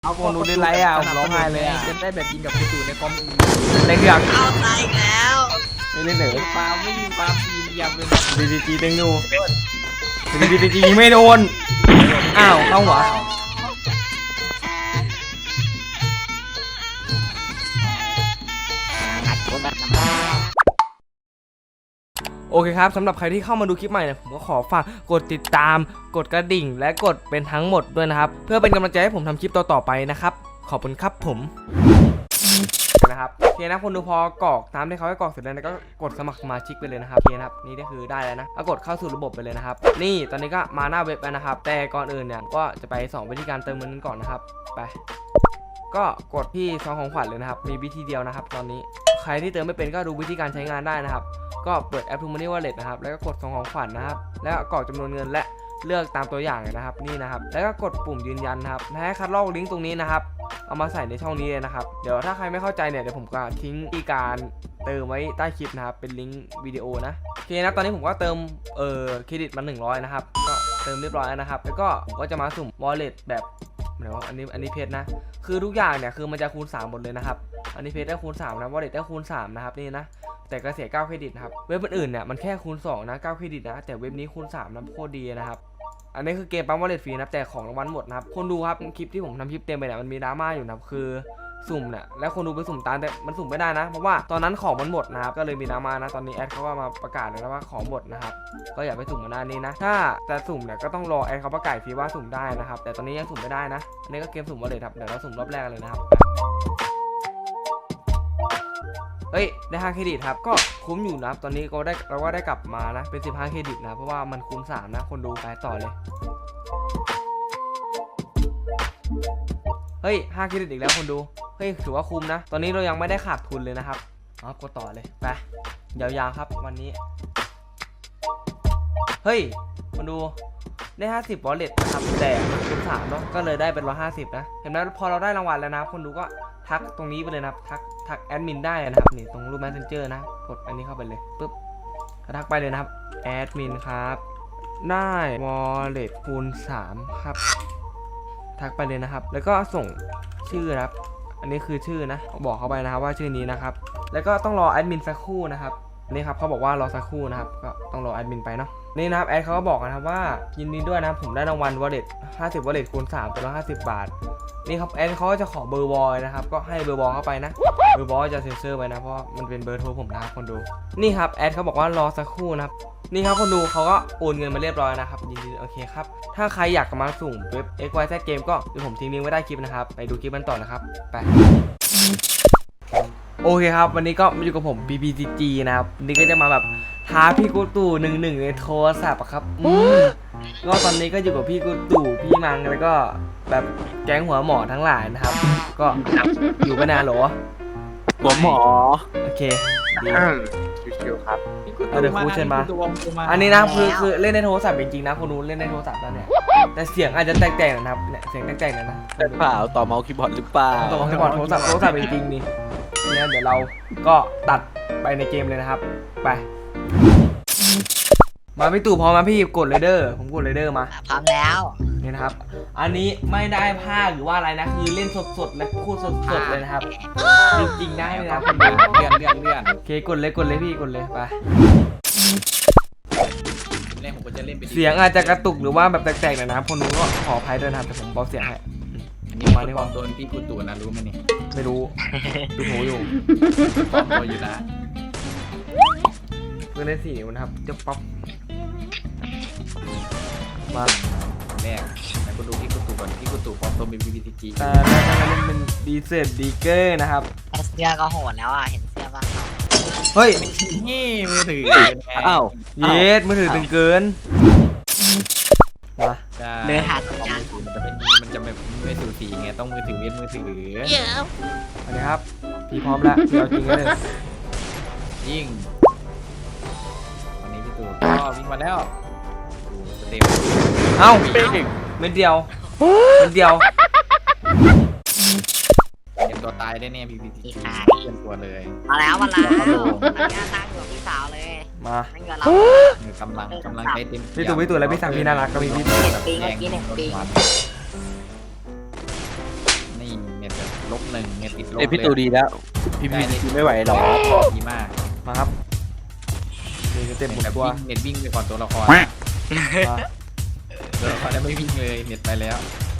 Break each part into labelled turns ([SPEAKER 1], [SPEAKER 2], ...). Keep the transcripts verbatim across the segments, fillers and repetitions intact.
[SPEAKER 1] เอาคนดูได้ไรอ่ะผมร้องไห้เลยอ่ะ
[SPEAKER 2] จะได้แบบยิงกับคุณตู่ในคอมอื่น
[SPEAKER 1] ในเครื่อง
[SPEAKER 3] เอาตายอีกแล้ว
[SPEAKER 1] ไม่เล่นเหรอ
[SPEAKER 2] ปาไม่ยิงปาปีนยำเลย
[SPEAKER 1] ดีดีจีเต็งดูดีดีจีไม่โดนอ้าวเข้าหัวโอเคครับสำหรับใครที่เข้ามาดูคลิปใหม่เนี่ยผมก็ขอฝากกดติดตามกดกระดิ่งและกดเป็นทั้งหมดด้วยนะครับเพื่อเป็นกำลังใจให้ผมทำคลิปต่อๆไปนะครับขอบคุณครับผมนะครับโอเคนะคนดูพอกรอกตามที่เขาให้กรอกเสร็จแล้วก็กดสมัครสมาชิกไปเลยนะครับโอเคนะครับนี่ก็คือได้แล้วนะก็กดเข้าสู่ระบบไปเลยนะครับนี่ตอนนี้ก็มาหน้าเว็บแล้วนะครับแต่ก่อนอื่นเนี่ยก็จะไปสองวิธีการเติมเงินก่อนนะครับไปก็กดที่ซองของขวัญเลยนะครับมีวิธีเดียวนะครับตอนนี้ใครที่เติมไม่เป็นก็ดูวิธีการใช้งานได้นะครับก็เปิดแอป ทู มันนี่ Wallet นะครับแล้วก็กดซองของขวัญนะครับแล้วกรอกจำนวนเงินและเลือกตามตัวอย่างนะครับนี่นะครับแล้วก็กดปุ่มยืนยันนะครับและให้คัดลอกลิงก์ตรงนี้นะครับเอามาใส่ในช่องนี้เลยนะครับเดี๋ยวถ้าใครไม่เข้าใจเนี่ยเดี๋ยวผมก็ทิ้งวิธีการเติมไว้ใต้คลิปนะครับเป็นลิงก์วิดีโอนะโอเคนะตอนนี้ผมก็เติมเอ่อเครดิตมาหนึ่งร้อยนะครับก็เติมเรียบร้อยแล้วนะครับแล้วก็ผมก็จะมาสุ่ม Wallet แบบไหนวะอันนี้อันนี้เพชรนะคือทุกอย่างเนี่ยคือมันจะคูณสามหมดเลยนะครับอันนี้เพชรได้คูณสามนะ Wallet ได้คูณสามนะครับนี่นะแต่ก็เสียเก้าเครดิตนะครับเว็บอื่นๆเนี่ยมันแค่คูณสองนะเก้าเครดิตนะแต่เว็บนี้คูณสามนะโคตรดีนะครับอันนี้คือเกมปั๊มวอลเล็ตฟรีนะแต่ของรางวัลหมดนะครับคนดูครับคลิปที่ผมทำคลิปเต็มไปเนี่ยมันมีดราม่าอยู่นะครับคือสุ่มเนี่ยแล้วคนดูไปสุ่มตามแต่มันสุ่มไม่ได้นะเพราะว่าตอนนั้นของมันหมดนะครับก็เลยมีดราม่านะตอนนี้แอดเขาก็มาประกาศเลยนะว่าของหมดนะครับก็อย่าไปสุ่มกันหน้านี้นะถ้าจะสุ่มเนี่ยก็ต้องรอแอดเขาประกาศทีว่าสุ่มได้นะครับแต่ตอนนี้ยังสุ่มไม่ได้นะอันนี้ก็เกมสุ่มวอลเล็ตครับเดี๋ยวเราสุ่มรอบแรกเลยนะครับเฮ้ยได้ห้าเครดิตครับก็คุ้มอยู่นะตอนนี้ก็ได้เราก็ได้กลับมานะเป็นสิบห้าเครดิตนะเพราะว่ามันคูณสามนะคนดูไปต่อเลยเฮ้ยห้าเครดิตอีกแล้วคนดูเฮ้ยถือว่าคุ้มนะตอนนี้เรายังไม่ได้ขาดทุนเลยนะครับอ๋อกดต่อเลยไปยาวๆครับวันนี้เฮ้ยคนดูได้ห้าสิบ wallet นะครับแต่คูณสามเนาะก็เลยได้เป็นหนึ่งร้อยห้าสิบนะเห็นไหมพอเราได้รางวัลแล้วนะคนดูก็ทักตรงนี้ไปเลยนะครับทักทักแอดมินได้นะครับนี่ตรงรูป messenger นะกดอันนี้เข้าไปเลยปุ๊บทักไปเลยนะครับแอดมินครับได้ wallet คูณสามครับทักไปเลยนะครับแล้วก็ส่งชื่อครับอันนี้คือชื่อนะบอกเขาไปนะครับว่าชื่อนี้นะครับแล้วก็ต้องรอแอดมินสักครู่นะครับนี่ครับเขาบอกว่ารอสักครู่นะครับก็ต้องรอแอดมินไปเนาะนี่นะครับแอดเขาก็บอกนะครับว่ายินดีด้วยนะผมได้รางวัล wallet ห้าสิบ wallet คูณสามเป็นหนึ่งร้อยห้าสิบบาทนี่ครับแอดเขาจะขอเบอร์บอยนะครับก็ให้เบอร์บอยเข้าไปนะเบอร์บอยจะเซ็นเซอร์ไว้นะเพราะมันเป็นเบอร์โทรผมนะครับคนดูนี่ครับแอดเขาบอกว่ารอสักครู่นะครับนี่ครับคนดูเขาก็โอนเงินมาเรียบร้อยนะครับยินดีโอเคครับถ้าใครอยากมาสุ่มเว็บ เอ็กซ์ วาย แซด Game ก็เดี๋ยวผมทิ้งลิงก์ไว้ใต้คลิปนะครับไปดูคลิปกันต่อนะครับไปโอเคครับวันนี้ก็มาอยู่กับผม บี บี จี จี นะครับวันนี้ก็จะมาแบบท้าพี่กูตู่หนึ่งหนึ่งในโทรศัพท์ครับอืมก็ตอนนี้ก็อยู่กับพี่กูตู่พี่มังแล้วก็แบบแก๊งหัวหมอทั้งหลายนะครับก็อยู่กันนานหรอ
[SPEAKER 4] หัวหมอ
[SPEAKER 1] โอเคดี
[SPEAKER 4] ชิวๆครับ
[SPEAKER 1] เอาเดี๋ยวครูเชิญมาอันนี้นะคือคือเล่นในโทรศัพท์จริงๆนะคนนู้นเล่นในโทรศัพท์แล้วเนี่ยแต่เสียงอาจจะแตกๆนะครับเนี่ยเสียงแตกๆนะนะ
[SPEAKER 4] แต่เปล่าต่อเมาส์คีย์บอร์ดหรือเปล่า
[SPEAKER 1] ต่อเมาส์คีย์บอร์ดโทรศัพท์โทรศัพท์จริงๆนี่เนี่ยเดี๋ยวเราก็ตัดไปในเกมเลยนะครับไปมาพี่ตู่พร้อมมาพี่กดเลยเดอร์ผมกดเลยเดอร์มา
[SPEAKER 3] พร้อมแล้ว
[SPEAKER 1] นี่นะครับอันนี้ไม่ได้ภาคหรือว่าอะไรนะคือเล่นสดๆและพูดสดๆเลยนะครับจริงๆได้เลยนะคุณเลื่อนเลื่อนเลื่อนโอเคกดเลยกดเลยพี่กดเลยไป
[SPEAKER 2] เล่นผมก็จะเล่นไป
[SPEAKER 1] เสียงอาจจะกระตุกหรือว่าแบบแตกๆหน่อยนะครับคนนู้นก็ขออภัยด้วยนะครับแต่ผมเบาเสียงให้
[SPEAKER 2] อันนี้มาที่ความโดนพี่กูตู่นะรู้ไหมนี่
[SPEAKER 1] ไม่รู้ดูหูอยู่
[SPEAKER 2] ปลอมตัวอยู่นะ
[SPEAKER 1] เพื่อนเล่นสี่นิ้วนะครับจะป๊อปมา
[SPEAKER 2] แรกแต่กูดูพี่กูตู่ก่อนพี่กูตู่ปลอมตัวเป็น บี บี จี จี
[SPEAKER 1] แต่แรกก็เล่นเป็นดีเซลดีเกอร์นะครับ
[SPEAKER 3] เสื้อก็โหดแล้วอ่ะเห็นเสื้อป่ะ
[SPEAKER 1] เฮ้ย
[SPEAKER 2] นี่มือถือ
[SPEAKER 4] อ้าว
[SPEAKER 1] เยสมือถือตึงเกินมา
[SPEAKER 3] เนื้อหาสัญญาณ
[SPEAKER 2] มันจะเป็นมันจะไม่ไม่สูสีไงต้องมือถือเว้นมือถือ
[SPEAKER 1] อันนี้ครับพี่พร้อมแล้วพี่เอาจริงเลย
[SPEAKER 2] ยิ่งวันนี้พี่ตู่ก็วิ่งมาแล้วเต็ม
[SPEAKER 1] เอ้าเม็ดเดียวเม็ดเดียว
[SPEAKER 2] เตรียมตัวตายได้แน่พี่พี่ที่เตรียมตัวเลย
[SPEAKER 3] มาแล้วมาแล้วอันนี้นั่งอยู่กับพี่สาวเลย
[SPEAKER 1] มา
[SPEAKER 3] นั่งกับเรา
[SPEAKER 2] กำลังกำลังใจเต็ม
[SPEAKER 1] พี่ตู่พี่ตู่แล้วพี่สั่งพี่น่ารักก็มีพี่ตู่
[SPEAKER 3] ปีเมื่อกี้เนี่ยปี
[SPEAKER 2] นลบหนึ่งเน็ตติดลบ
[SPEAKER 4] เอ้ยพี่ตูดีแล้ว พี่พี่พี่ไม่ไหวหรอก
[SPEAKER 2] ดีมาก
[SPEAKER 1] มาครับนี่ก็เต็มหมด
[SPEAKER 2] แบบ
[SPEAKER 1] ตัว
[SPEAKER 2] วิ่งเน็ตวิ่งไปก่อนตัวละคร
[SPEAKER 1] มา
[SPEAKER 2] ตัวละครแล้วไม่วิ่งเลยเน็ตไปแล้ว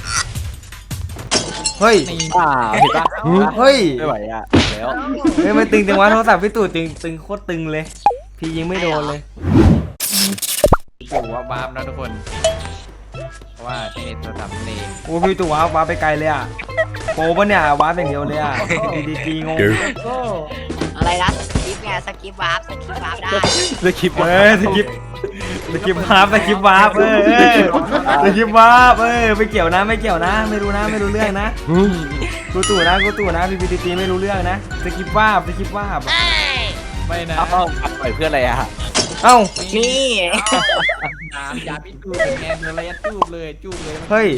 [SPEAKER 1] เฮ้ย
[SPEAKER 2] นี่
[SPEAKER 4] อ่าเห็นปะ
[SPEAKER 1] เฮ้ย
[SPEAKER 4] ไม่ไหวอ่ะแล้ว
[SPEAKER 1] เฮ้ยมันตึงจังวะโทรศัพท์พี่ตู่ตึงตึงโคตรตึงเลย พี่ยิงไม่โดนเลย
[SPEAKER 2] ปู่ว่าบาปนะทุกคน เพราะว่าใช้เน็ตโทรศัพท์นั่นเอง
[SPEAKER 1] โอ้พี่ตู่ว้าวว้าวไปไกลเลยอ่ะโปรปะเนี่ยว้าวอย่างเดียวเลยอ่ะดีดีจีงง
[SPEAKER 3] อะไรนะสกิปไงสกิปวาร์ปสกิปวาร์ปได้
[SPEAKER 4] เลือกคลิป
[SPEAKER 1] เออสกิปสกิปวาร์ปสกิปวาร์ปเออเออสกิปวาร์ปเออไม่เกี่ยวนะไม่เกี่ยวนะ ไม่รู้นะไม่รู้เรื่องนะกูตู่นะกูตู่นะพี่พีดีจีไม่รู้เรื่องนะสกิปวาร์ปสกิปวาร์ป
[SPEAKER 2] ไม่นะ
[SPEAKER 4] เอ้าปล่อยเพื่ออะไรอ่ะ
[SPEAKER 1] เอ้า
[SPEAKER 3] นี่
[SPEAKER 2] น้ำยาพิษตูเป็นแงนเลยระจูบเลยจูบเลย
[SPEAKER 1] เฮ้ย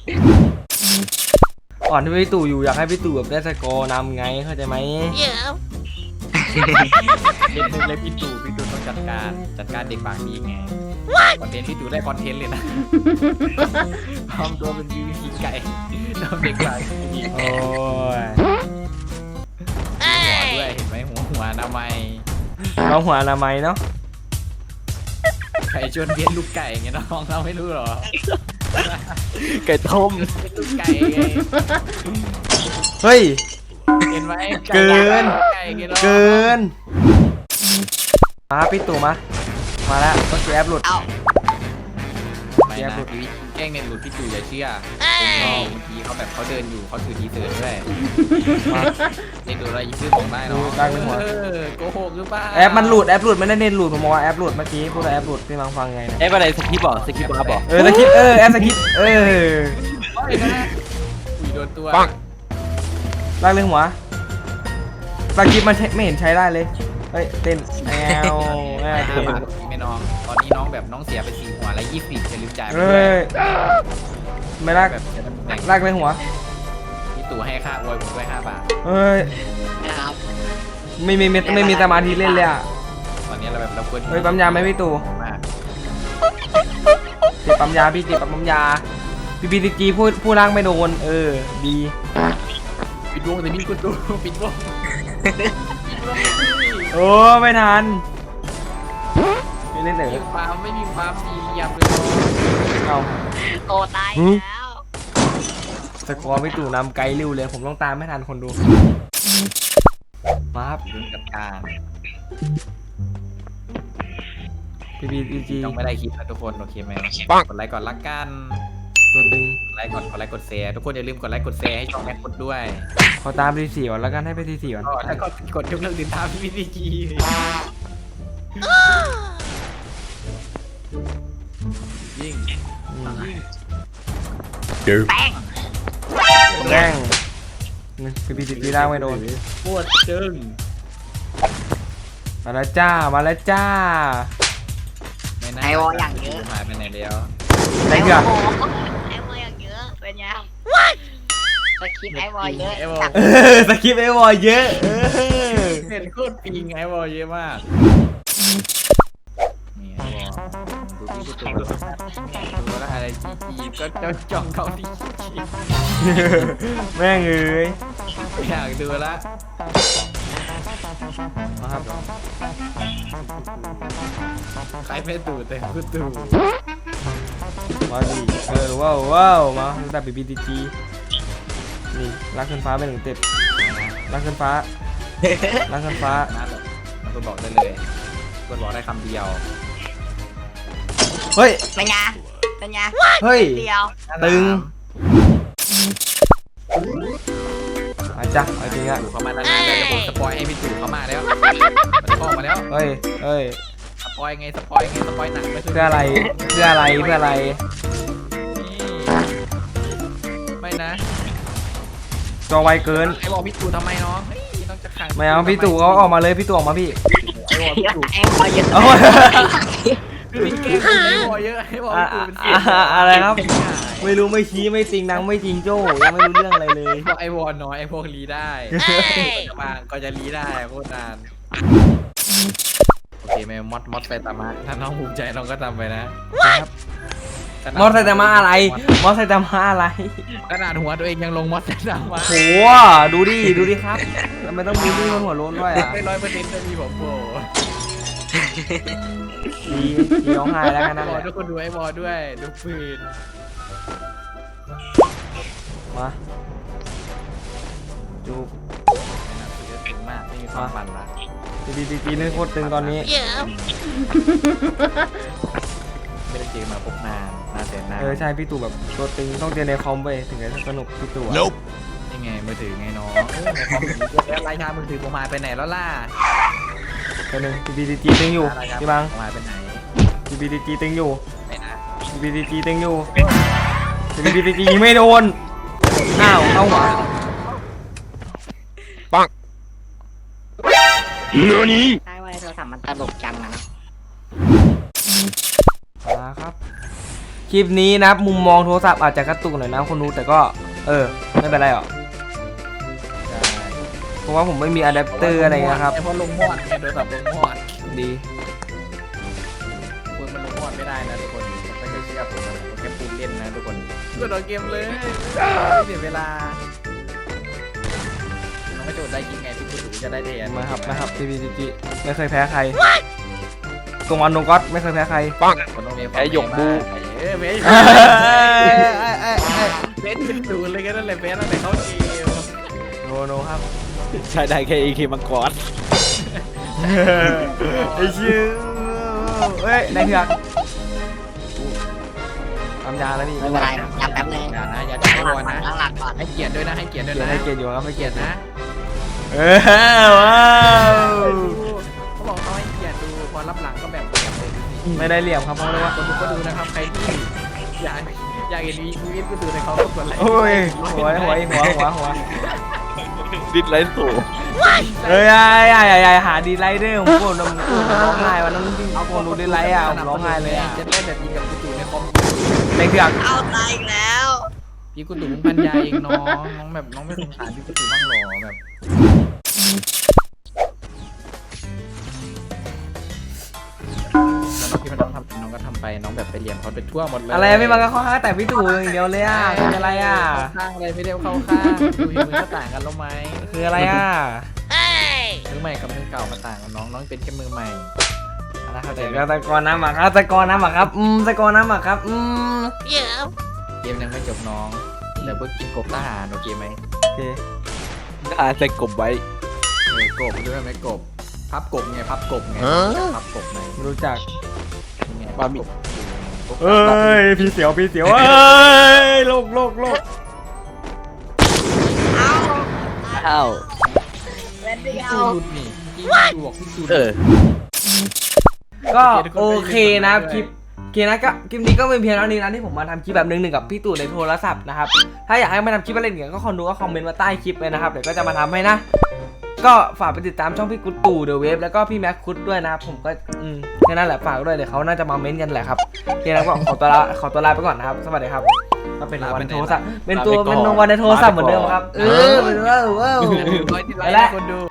[SPEAKER 1] อ่อนที่พี่ตู่อยู่อยากให้พี่ตู่แบบได้สกอร์นำไงเข้าใจไหม
[SPEAKER 2] เล่นมุกเลยพี่ตู่พี่ตู่ต้องจัดการจัดการเด็กปากดีไงคอนเทนต์พี่ตู่ได้คอนเทนต์เลยนะพร้อมตัวเป็นวีวีไก่ทำเด็กปากดี
[SPEAKER 1] โอ้ย
[SPEAKER 2] หัวด้วยเห็นไหมหัวหัวอนามัย
[SPEAKER 1] เราหัวอนามัยเนาะ
[SPEAKER 2] ไก่ชวนเลี้ยงลูกไก่ไงน้องเราไม่รู้หรอ
[SPEAKER 4] ไก่ต้ม
[SPEAKER 2] เป็นลูกไก่ไง
[SPEAKER 1] เฮ้ย
[SPEAKER 2] เห็นไหม
[SPEAKER 1] เกิน
[SPEAKER 2] ไก่ไงน้อง
[SPEAKER 1] เกินมาพี่ตู่มามาแล้วต้องแกร็บหลุด
[SPEAKER 3] เอา
[SPEAKER 2] ไม่นะพี่แกล้งเน็ตหลุดพี่ตู่อย่าเชื่อผมลองบางทีเขาแบบเขาเดินอยู่เขาถือทีเสือด้วย
[SPEAKER 1] มา
[SPEAKER 2] เน็ตหลุดอะไรซื้อของได้เนาะ
[SPEAKER 1] ได้ไม่หมด
[SPEAKER 2] เออโกหกหรือเปล่า
[SPEAKER 1] แอปมันหลุดแอปหลุดไม่ได้เน้นหลุดผมบอกว่าแอปหลุดเมื่อกี้พูดว่าแอปหลุดพี่มังฟังไงนะ
[SPEAKER 4] เอ้ยอะไรสคริปต์บอกสคริปต์มาบอก
[SPEAKER 1] เออสกิปเออแอปสกิปเออ
[SPEAKER 2] ไม่นะอุ้ยโดนตัว
[SPEAKER 1] ลากเรื่องหัวสกิปมันไม่เห็นใช้ได้เลยเฮ้ยเต้นแอวแอว
[SPEAKER 2] ห้า
[SPEAKER 1] เต้น
[SPEAKER 2] บาทไม่น้องตอนนี้น้องแบบน้องเสียไปสี่หัวแล้วยี่สิบจะลืมจ่ายไป
[SPEAKER 1] เฮ้
[SPEAKER 2] ด้วย
[SPEAKER 1] ยไม่ลาก
[SPEAKER 2] แบบจะแบ่ง
[SPEAKER 1] ลากเรื่องหัว
[SPEAKER 2] พี่ตู่ให้ค่าอวยผมด้วยห้าบาท
[SPEAKER 1] เฮ้ย
[SPEAKER 3] นะครับ
[SPEAKER 1] ไม่มีไม่ไม่มีสมาธิเล่นเลยอ่ะ
[SPEAKER 2] ตอนนี้เราแบบเราควร
[SPEAKER 1] เฮ้ยปั๊มยาไหมพี่ตู่
[SPEAKER 2] มาก
[SPEAKER 1] ติดปั๊มยาพี่ติดปั๊มยาพี่พีจีพูดพูดล่างไม่โดนเออดี
[SPEAKER 2] ปิดวงแต่นี่กูตู่ปิดวง
[SPEAKER 1] โอ้ไม่ทันไม่เล่นเหร
[SPEAKER 2] มี
[SPEAKER 1] อ
[SPEAKER 2] ความไม่มีความสี่เหลี่ยมเลย
[SPEAKER 1] เอา
[SPEAKER 3] โตตายแล้ว
[SPEAKER 1] สกอร์พี่ตู่นำไกลเร็วเลยผมต้องตามไม่ทันคนดูมาครับ
[SPEAKER 2] ดึงจัดการ
[SPEAKER 1] พี่พีจี
[SPEAKER 2] ต้องไม่ได้คลิปนะทุกคนโอเคไหมกดไลค์ก่อนละกัน
[SPEAKER 1] ตัวตึง
[SPEAKER 2] กดไลค์ก่อนกดไลค์กดแชร์ทุกคนอย่าลืมกดไลค์กดแชร์ให้ช่องแม็กกดด้วย
[SPEAKER 1] ขอตามทีสี่ก่อนแล้วกันให้ไปทีสี่ก่อน
[SPEAKER 2] ก็แล้วก็กดยกเลิกติดตามพี่พีจียิ่ง
[SPEAKER 1] อืม
[SPEAKER 3] แป้ง
[SPEAKER 1] แรงพี่พีจีล่างไม่โดน
[SPEAKER 2] โคตรจึง
[SPEAKER 1] มาแล้วจ้ามาแล้วจ้า
[SPEAKER 2] ไม่น่า
[SPEAKER 3] ไอวอลอย่างเยอะ
[SPEAKER 2] หายไปไหนแล้ว
[SPEAKER 1] ไหนเกือ
[SPEAKER 3] ไอวอลไอวอลอย่างเยอะเป็นไงสคริปต์ไอวอลเยอะจัด
[SPEAKER 1] เออสคริปต์ไอ้วอลเยอะเออ
[SPEAKER 2] เห็นโคตรปิงไอวอลเยอะมากนี่ไอวอลดูพี่กูตัวดูแล้วอะไรจีจีก็จ้องจ้องเขาที่จี
[SPEAKER 1] แม่งเอ้ย
[SPEAKER 2] อยากดูละ
[SPEAKER 1] มาครับ
[SPEAKER 2] ใครไม่ดูแต่กูดู
[SPEAKER 1] มาดิเออว้าวว้าวมาตั้งแต่บีบีจีนี่ลากขึ้นฟ้าไปหนึ่งเต็ปลากขึ้นฟ้าลากขึ้นฟ้า
[SPEAKER 2] น่าแบบมันก็บอกได้เลยก็บอกได้คำเดียว
[SPEAKER 1] เฮ้ย
[SPEAKER 3] เป็นไงเป็นไง
[SPEAKER 1] เฮ้ย
[SPEAKER 3] เดียว
[SPEAKER 1] ตึงอาจ้ะเอาจริงอะ
[SPEAKER 2] ตู่เข้ามาแล้วนะเดี๋ยวผมสปอยให้พี่ตู่เข้ามาแล้วมันเข้ามาแล้ว
[SPEAKER 1] เฮ้ยเฮ้ย
[SPEAKER 2] สปอยไงสปอยไงสปอยหนังไป
[SPEAKER 1] เพื่ออะไรเพื่ออะไรเพื่ออะไร
[SPEAKER 2] ไม่นะ
[SPEAKER 1] จอไวเกิน
[SPEAKER 2] ไอ้บอกพี่ตู่ทำไมน้องเฮ้ยน้องจะขัง
[SPEAKER 1] ไม่เอาพี่ตู่เขาออกมาเลยพี่ตู่ออกมาพี่
[SPEAKER 2] ไอ้บอกพี่ตู่
[SPEAKER 3] ไอวอลเยอะ
[SPEAKER 1] เอา
[SPEAKER 2] คือพี่แกล้งคนไอ้บอกเยอะไอ้บอกพี่ตู่เป็นเสีย
[SPEAKER 1] อ่ะอะไรครับ ไม่รู้ไม่ชี้ไม่จริงนังไม่จริงโจ้ยังไม่รู้เรื่องอะไรเลย
[SPEAKER 2] บอกไอ้วอนน้อยไอ้พวกรีได้บางก็จะรีได้โคตรนานโอเคไหมมอดมอดไปตามมาถ้าน้องภูมิใจน้องก็ทำไปนะครับ
[SPEAKER 1] มอสไซตามะอะไรมอสไซตามะอะไร
[SPEAKER 2] ขนาดหัวตัวเองยังลงมอสไซตามะ
[SPEAKER 1] โหดูดิดูดิครับทำไมต้องบูลลี่คนหัวโล้นด้วยอ่ะ
[SPEAKER 2] ไม่ร้อยเปอร์เซ็นต์จะมีผมโผล่
[SPEAKER 1] ดีดีร้องไห้แล้วกันนะ
[SPEAKER 2] บอลทุกคนดูไอ้บอลด้วยดูปืน
[SPEAKER 1] มาจู
[SPEAKER 2] หนักสือถึงมากไม่มีความมันละ
[SPEAKER 1] ดีดีดีดีนี่โคตรตึงตอนนี้
[SPEAKER 2] ไม่ได้เจอมาพบนานนานแสนนาน
[SPEAKER 1] เออใช่พี่ตู่แบบตัวตึงต้องเจอในคอมไปถึงจะสนุกพี่ตู่อะ
[SPEAKER 2] นี่ไงมือถือไงน้องเออในคอมถือแล้วรายการมือถือผมหายไปไหนแล้วล่ะ
[SPEAKER 1] ตัวหนึ่งดีดีดีตึงอยู่
[SPEAKER 2] รายการ
[SPEAKER 1] พี่บัง
[SPEAKER 2] ผมหายไปไหน
[SPEAKER 1] ดีดีดีตึงอยู่
[SPEAKER 2] ไหนนะ
[SPEAKER 1] ดีดีดีตึงอยู่ดีดีดีไม่โดนอ้าวเข้าหัว
[SPEAKER 3] ใช่ว่าในโทรศัพท์มันตลกจังอะเนาะ
[SPEAKER 1] มาครับคลิปนี้นะมุมมองโทรศัพท์อาจจะกระตุกหน่อยนะคนดูแต่ก็เออไม่เป็นไรหรอก
[SPEAKER 2] ใช่
[SPEAKER 1] เพราะว่าผมไม่มีอะแดปเตอร์อะไรเงี้ยครับ
[SPEAKER 2] เพราะลงมอดไงโดยแบบลงมอด
[SPEAKER 1] ดี
[SPEAKER 2] คุณมันลงมอดไม่ได้นะทุกคนไม่เคยเชื่อผมนะผมแค่พูดเล่นนะทุกคนก็โดนเกมเลยไม่เสียเวลาน้องไม่โดดได้จริงไงพี่คุณถึงจะได้เดียน
[SPEAKER 1] มาครับนะครับดีดีดีไม่เคยแพ้ใครตรงวันตรงก๊อตไม่เคยแพ้ใครปัง
[SPEAKER 2] คนต้องมี
[SPEAKER 4] ไอ้หยกบู
[SPEAKER 2] เออเบสเบสเป็นศูนย์เลยก็นั่นแหละเบสนั่นแหละเขาเกม
[SPEAKER 1] โนโนครับ
[SPEAKER 4] ใช่ได้แค่อีคีมังกร
[SPEAKER 1] ไอ้ชื่อเฮ้ยนายเถือกทำยาแล้วนี่
[SPEAKER 3] ไม่เป็นไรจำแป๊บนึง
[SPEAKER 2] อย่านะอย่าจับ
[SPEAKER 3] ตั้งห
[SPEAKER 2] ไว้
[SPEAKER 3] ลัก
[SPEAKER 2] ก่อน
[SPEAKER 3] ก่อน
[SPEAKER 2] นะ
[SPEAKER 3] ตั้งหลักก่อน
[SPEAKER 2] ให้เกียรติด้วยนะให้เกียรติด้วย
[SPEAKER 1] เกียร
[SPEAKER 2] นะ
[SPEAKER 1] ให้เกียรติอยู่ครับให้
[SPEAKER 2] ให้
[SPEAKER 1] เกี
[SPEAKER 2] เกี
[SPEAKER 1] ย
[SPEAKER 2] ย
[SPEAKER 1] ร
[SPEAKER 2] ร
[SPEAKER 1] ติ
[SPEAKER 2] ตินะ
[SPEAKER 1] เออว้าว
[SPEAKER 2] เขาบอกเขาให้เกียรติดูพอรับหลังก็แบบเกียรติเลยดูสิ
[SPEAKER 1] ไม่ได้เหลี่ยมครับเพราะว่า
[SPEAKER 2] คนดูก็ดูนะครับใครที่อยากอยากเห็นชีวิตก็ดูในเขาก็กดไลค์
[SPEAKER 1] โอ้ยหัวหัวหัวหัวหัว
[SPEAKER 4] ดิดไลท์สูง
[SPEAKER 1] เฮ้ยไอ้ไอ้ไอ้หาดีไลท์ด้วยผมโกรธผมร้องไห้วันนั้นที่เอาคนดูดีไลท์อ่ะผมร้องไห้เลยอ่ะ
[SPEAKER 2] จะได้แบบยิงกับกูตู่ในคอม
[SPEAKER 1] นายเถือก
[SPEAKER 3] เอาตายอีกแล้ว
[SPEAKER 2] พี่กูตู่พันยาเองน้องน้องแบบน้องไม่สงสารพี่กูตู่บ้างหรอแบบแล้วพี่มันน้องทำน้องก็ทำไปน้องแบบไปเรียนเขาไปทั่วหมดเลย
[SPEAKER 1] อะไรไม่มาก็ข้อห้าแต่พี่ตู่อย่างเดียวเลยอ่ะคืออะไรอ่ะ
[SPEAKER 2] เข้าข้างเลยไม่ได้เข้าข้างดูมือก็ต่างกันแล้วไหม
[SPEAKER 1] คืออะไรอ่ะ
[SPEAKER 2] มือใหม่กับมือเก่ามาต่างกันน้องน้องเป็นแค่มือใหม่
[SPEAKER 1] นะครับแต่ก็ตะกอนน้ำหมักครับตะกอนน้ำหมักครับอืมตะกอนน้ำหมักครับอืม
[SPEAKER 3] เดี๋ยว
[SPEAKER 2] เกมยังไม่จบน้องเดี๋ยวเพิ่งกินกบทหารโอเคไหม
[SPEAKER 1] โอเค
[SPEAKER 4] น่าจะกบไว้
[SPEAKER 2] เออกบด้วยไหมกบพับกบไงพับกบไงพับกบไง
[SPEAKER 1] ไม่รู้จัก
[SPEAKER 2] นี่ไงพับกบ
[SPEAKER 1] เอ้ยพี่เสียวพี่เสียวเอ้ยโลกโลกโลก
[SPEAKER 3] เอา
[SPEAKER 4] อ้าว
[SPEAKER 3] เล่นเดีย
[SPEAKER 2] พี่
[SPEAKER 3] ว
[SPEAKER 2] จูดนี่พี่จูบอกพี่จูด
[SPEAKER 4] เออ
[SPEAKER 1] ก็โอเคนะครับคลิปโอเคนะก็คลิปนี้ก็เป็นเพียงเท่านี้นะที่ผมมาทำคลิปแบบหนึ่งหนึ่งกับพี่ตู่ในโทรศัพท์นะครับถ้าอยากให้มาทำคลิปอะไรอย่างเงี้ยก็คอมดูก็คอมเมนต์มาใต้คลิปเลยนะครับเดี๋ยวก็จะมาทำให้นะ ก็ฝากไปติดตามช่องพี่กุ๊ดตู่เดอะเวฟแล้วก็พี่แม็กคุดด้วยนะครับผมก็อืมแค่นั้นแหละฝากด้วยเดี๋ยวเขาน่าจะมาเม้นต์กันแหละครับโอเคนะก็ขอตัวลาขอตัวลาไปก่อนนะครับสวัสดีครับก็เป็นวันในโทรศัพท์เป็นตัวเป็นวันในโทรศัพท์เหมือนเดิมครับเออเป็นว่าเออ
[SPEAKER 2] ร้อยที่ไลค์คนดู